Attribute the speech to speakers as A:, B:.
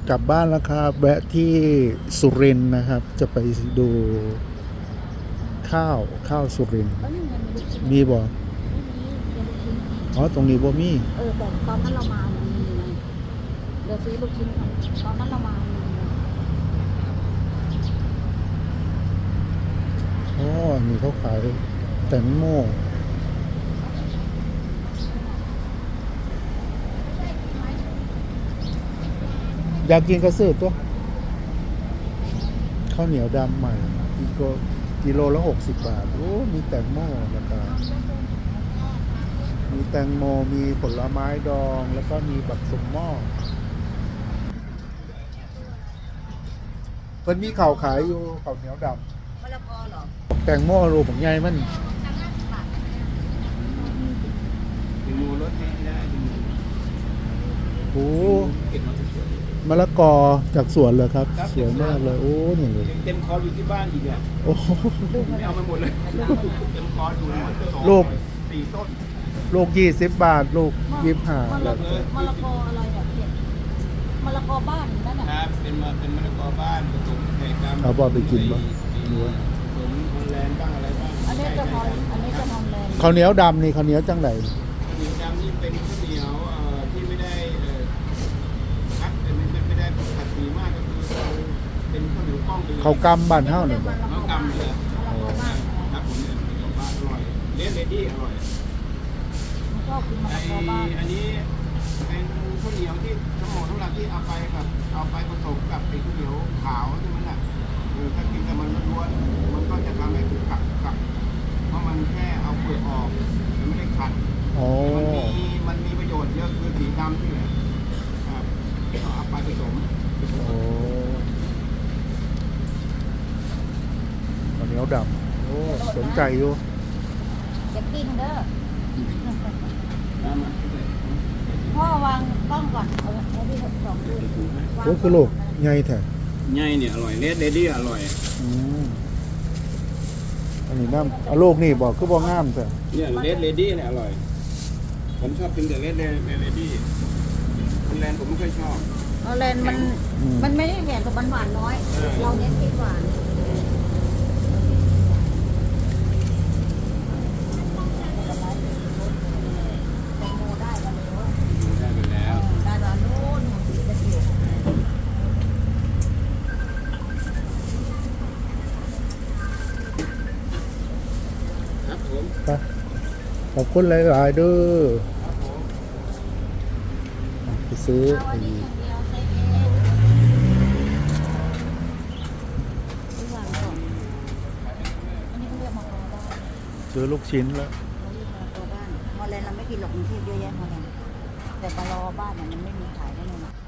A: กลับบ้านแล้วครับแวะที่สุรินทร์นะครับ จะไปดูข้าวสุรินทร์
B: แล้วยังมีลูกชิ้น
A: มีบ่
B: ไม่มีเดี๋ยวลูกชิ้น
A: อ๋อตรงนี้บ่มี
B: แต่ตอนนั้นเรามามันมีไงเดี๋ยวซื้อลูกชิ้นก่อนตอนนั้นเรามามีไง
A: อ๋อนี่เขาขายแตงโมอยากกินกระสือตัวข้าวเหนียวดำใหม่กิโลละ60 บาทโอ้มีแตงโมราคามีแตงโมมีผลไม้ดองแล้วก็มีบักสมหม้อเพิ่นมีข้าวขายอยู่ข้าวเหนียวดำ
B: มะละกอเหรอ
A: แตงโมรูปของใหญ่มัน
C: ดึงมูรถให้ได้ดึงมู
A: โอ้
C: เก็บมาสวย
A: มะละกอจากสวนเลยครับ สวยมากเลย โอ้นี่เลย
C: ๆเต็มคอร์สอยู่ที่บ้านอีกเนี่ย
A: โอ้
C: ไม่เอาไปหมดเลยเต็มคอร์สอยู่ทั้งหมด
A: ลูก
C: 4 ต้น
A: ลูก20 บาท ลูก25
B: มะละกออะไรแบบเผ็ดมะละกอบ้านนั่นน่ะ
C: ครับเป็นมะละกอบ้านผสมไข่กำ
A: เอาบอกไปกินบ่
C: ผสมฮอลแลนด์บ้างอะไรบ้าง
B: อันนี้จะฮอลอันนี้จะฮอลแลนด์
A: ข้าวเหนียวดำนี่ข้าวเหนียวจังไหน
C: ข้าวเหนียวดำนี่เป็นข้าวเหนียวที่ไม่ได้คัดไม่ได้ผัดสีมากก็คือเราเป็นข้าวเหนียวกล้องไปเลย
A: ข้าวกำบ้านเฮานี่บ่
C: ข้าวกำเลย
B: มะละกอบ้าน
C: ครับผมเนี่ยมะละกอบ้านอร่อยเลดี้อร่อย
B: ผมชอบกินมะ
C: ไอ
B: ละกอบ้าน
C: อันนี้เป็นข้าวเหนียวที่ทั้งหมดทั้งหลักที่เอาไปผสมกับไอ้ข้าวเหนียวขาวใช่ไหมล่ะถ้ากินกับมันล้วนๆมันก็จะทำให้กับเพราะมันแค่เอาเปลือกออกมันไม่ได้ขัด
A: อ๋อ
C: มันมีประโยชน์เยอะคือสีดำที่เหลือครับก็เอาไปผสม
A: โอ้ข้าวเหนียวดำโอ้สนใจอยู่
B: อย่ากินเด้อ
C: น้ำมัน
B: พ่อวางกล้องก่อนเอาไว้ที่สองด้วย
A: โอ้คือลูกใหญ่แท้
C: ใหญ่เนี่ยอร่อยเลดี้อร่อย
A: อืมอันนี้น้ำเอาลูกนี่บอกคือบ่งามแท้
C: เนี่ยเลดี้เนี่ยอร่อยผมชอบกินแต่เลดี้คุณแลนผมไม่ค่อยชอบ
B: ฮอลแลนด์มันไม่ได้เผ็ดแต่มันหวานน้อย เราเน้นกินหวานแตงโมได้แล้ว
C: ได้ไปแล้ว
B: ได้ตอนนู้นสีจะเขียว
C: ครับผม
A: ไปขอบคุณหลายๆเด้อไปซื้อ
B: เอาอันนี้อย่างเดียวใส่เองทุกอย่างก่อนอันนี้เขาเรียกมะกอบ้าน
A: ซื้อลูกชิ้นแล้ว
B: เขาเรียกมะกอบ้านฮอลแลนด์เราไม่กินหรอกกรุงเทพเยอะแยะฮอลแลนด์แต่ปลารอบ้านน่ะมันไม่มีขายแน่นอน